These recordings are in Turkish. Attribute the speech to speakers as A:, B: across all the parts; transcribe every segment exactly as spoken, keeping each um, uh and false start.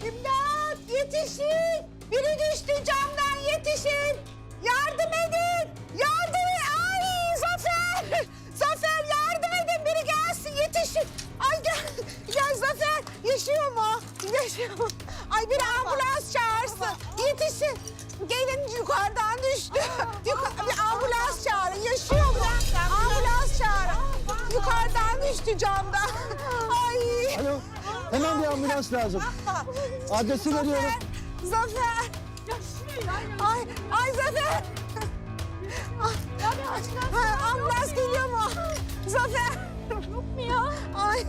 A: İmdat! Yetişin! Biri düştü camdan, yetişin! Yardım edin! Yardım edin! Ay Zafer! Zafer yardım edin! Biri gelsin, yetişin! Ay gel, gel Zafer! Yaşıyor mu? Yaşıyor mu? Ay bir ambulans çağırsın! Yetişin! Gelin yukarıdan düştü. Yuka bir ambulans çağırın. Yaşıyor mu? Ambulans çağırın. Yukarıdan düştü camdan. Ay!
B: Alo, hemen bir ambulans lazım. Adresi veriyorum.
A: Zafer! Ay, ay Zafer! Ay, ambulans geliyor mu? Zafer! Yok mu ya? Ay!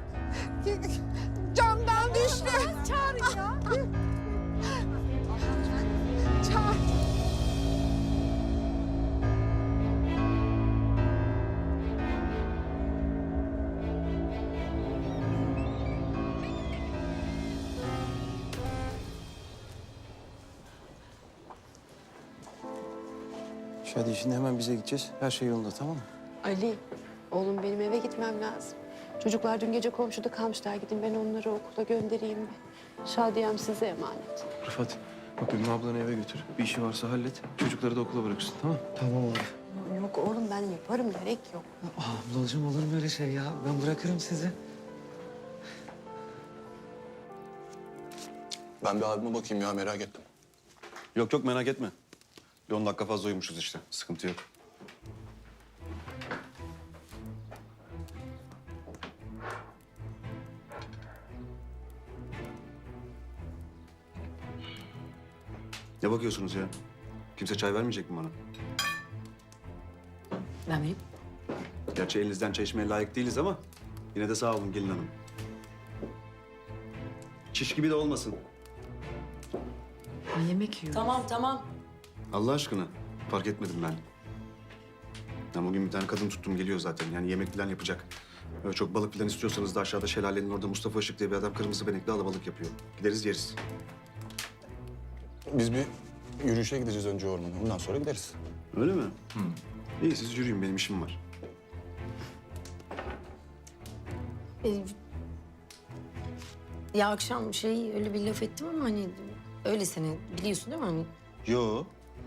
A: Camdan düştü. Çağırın ya. Çağır.
B: Şadi şimdi hemen bize gideceğiz. Her şey yolunda, tamam mı?
C: Ali, oğlum benim eve gitmem lazım. Çocuklar dün gece komşuda kalmışlar. Gidin ben onları okula göndereyim mi? Şadiyem size emanet.
B: Rıfat, bak Ümmü ablanı eve götür. Bir işi varsa hallet. Çocukları da okula bırakırsın, tamam mı?
D: Tamam abi.
C: Yok oğlum ben yaparım, gerek yok.
D: Aa, ablacığım olur mu öyle şey ya? Ben bırakırım sizi.
E: Ben bir abime bakayım ya, merak ettim.
F: Yok yok merak etme. Bir on dakika fazla uyumuşuz işte. Sıkıntı yok. Ne bakıyorsunuz ya? Kimse çay vermeyecek mi bana?
C: Ben miyim?
F: Gerçi elinizden çay içmeye layık değiliz ama yine de sağ olun gelin hanım. Çiş gibi de olmasın.
C: Ben yemek yiyorum.
G: Tamam tamam.
F: Allah aşkına fark etmedim ben. Ben bugün bir tane kadın tuttum geliyor zaten. Yani yemek falan yapacak. Öyle çok balık falan istiyorsanız da aşağıda şelalenin orada Mustafa Işık diye bir adam kırmızı benekli alabalık yapıyor. Gideriz yeriz.
E: Biz bir yürüyüşe gideceğiz önce ormana, ondan sonra gideriz.
F: Öyle mi? Hı. İyi siz yürüyün benim işim var.
G: Ee, ya akşam şey öyle bir laf ettim ama hani öyle seni biliyorsun değil mi? Hani
F: Yo.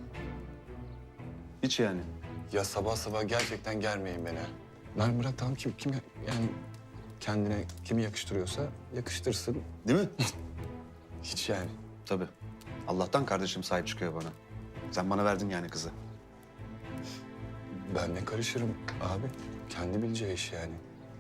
F: Hiç yani.
E: Ya sabah sabah gerçekten germeyin beni. Lan bırak tamam, kim, kim yani kendine kimi yakıştırıyorsa yakıştırsın.
F: Değil mi?
E: Hiç yani.
F: Tabii. Allah'tan kardeşim sahip çıkıyor bana. Sen bana verdin yani kızı.
E: Ben ne karışırım abi. Kendi bileceği iş yani.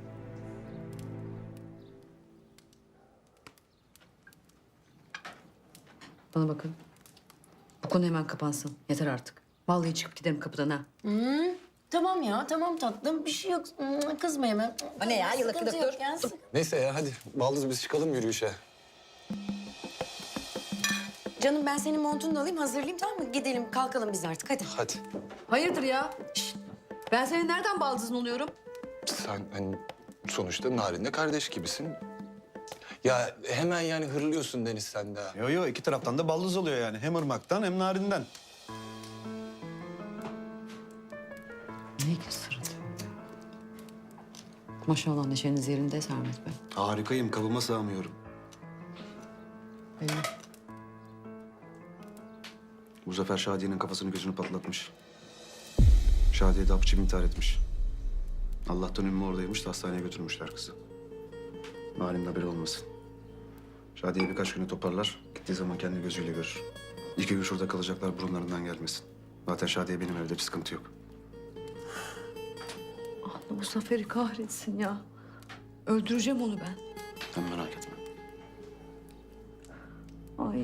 H: Bana bakın. Bu konu hemen kapansın. Yeter artık. Vallahi çıkıp giderim kapıdan ha.
G: tamam ya tamam tatlım bir şey yok. Hmm, Kızma hemen.
H: O ne ya? Yıllık
G: Sıkıntı
H: yıllık
G: yok ya, sık-
E: Neyse ya, hadi baldız biz çıkalım yürüyüşe.
G: Canım ben senin montunu da alayım hazırlayayım tamam mı? Gidelim kalkalım biz artık hadi.
E: Hadi.
H: Hayırdır ya? Şişt. Ben senin nereden baldızın oluyorum?
E: Sen hani sonuçta Narin'le kardeş gibisin. Ya hemen yani hırlıyorsun Deniz sen de.
F: Yo yo iki taraftan da baldız oluyor yani. Hem ırmaktan hem narinden.
H: Ne ki sırrı? Maşallah neşeniz yerinde Sermet Bey.
F: Harikayım kabıma sığamıyorum.
H: Belli.
F: Bu sefer Şadiye'nin kafasını gözünü patlatmış. Şadiye de hapçı intihar etmiş. Allah'tan Ümmü oradaymış da hastaneye götürmüşler kızı. Narin'in haberi olmasın. Şadiye birkaç güne toparlar. Gittiği zaman kendi gözüyle görür. İki gün şurada kalacaklar burunlarından gelmesin. Zaten Şadiye benim evde bir sıkıntı yok.
H: Allah bu Zafer'i kahretsin ya. Öldüreceğim onu ben.
F: Sen merak etme.
H: Ay.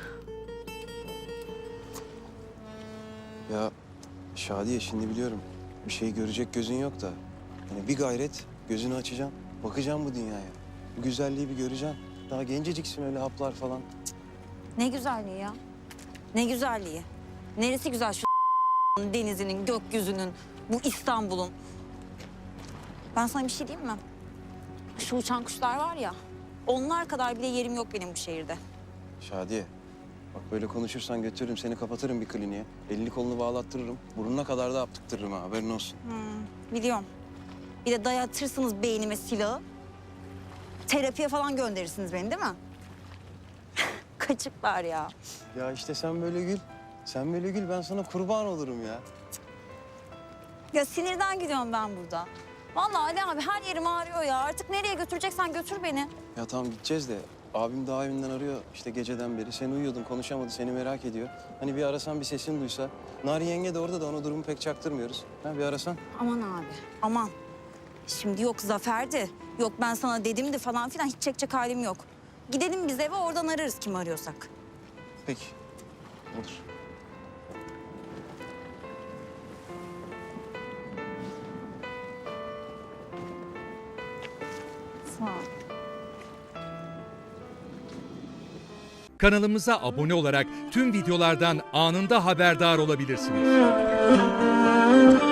B: Ya Şadiye şimdi biliyorum. Bir şey görecek gözün yok da. Yani bir gayret gözünü açacaksın. Bakacaksın bu dünyaya. Bu güzelliği bir göreceksin. Daha genceciksin öyle haplar falan.
I: Ne güzelliği ya. Ne güzelliği. Neresi güzel şu denizinin, gökyüzünün, bu İstanbul'un. Ben sana bir şey diyeyim mi? Şu uçan kuşlar var ya, onlar kadar bile yerim yok benim bu şehirde.
B: Şadiye. Bak böyle konuşursan götürürüm seni kapatırım bir kliniğe. Elini kolunu bağlattırırım. Burnuna kadar da aptıktırırım ha, haberin olsun.
I: Hmm, biliyorum. Bir de dayatırsınız beynime silahı. Terapiye falan gönderirsiniz beni değil mi? kaçıklar ya.
B: Ya işte sen böyle gül. Sen böyle gül, ben sana kurban olurum ya.
I: Ya sinirden gidiyorum ben burada. Vallahi Ali abi her yerim ağrıyor ya. Artık nereye götüreceksen götür beni.
B: Ya tamam gideceğiz de abim daha evinden arıyor işte geceden beri. Sen uyuyordun, konuşamadı, seni merak ediyor. Hani bir arasan, bir sesini duysa. Narin yenge de orada da ona durumu pek çaktırmıyoruz. Ha bir arasan.
I: Aman abi, aman. Şimdi yok Zafer'di, yok ben sana dedimdi falan filan hiç çekecek halim yok. Gidelim biz eve oradan ararız kim arıyorsak.
B: Peki. Olur.
I: Sağ ol.
J: Kanalımıza abone olarak tüm videolardan anında haberdar olabilirsiniz.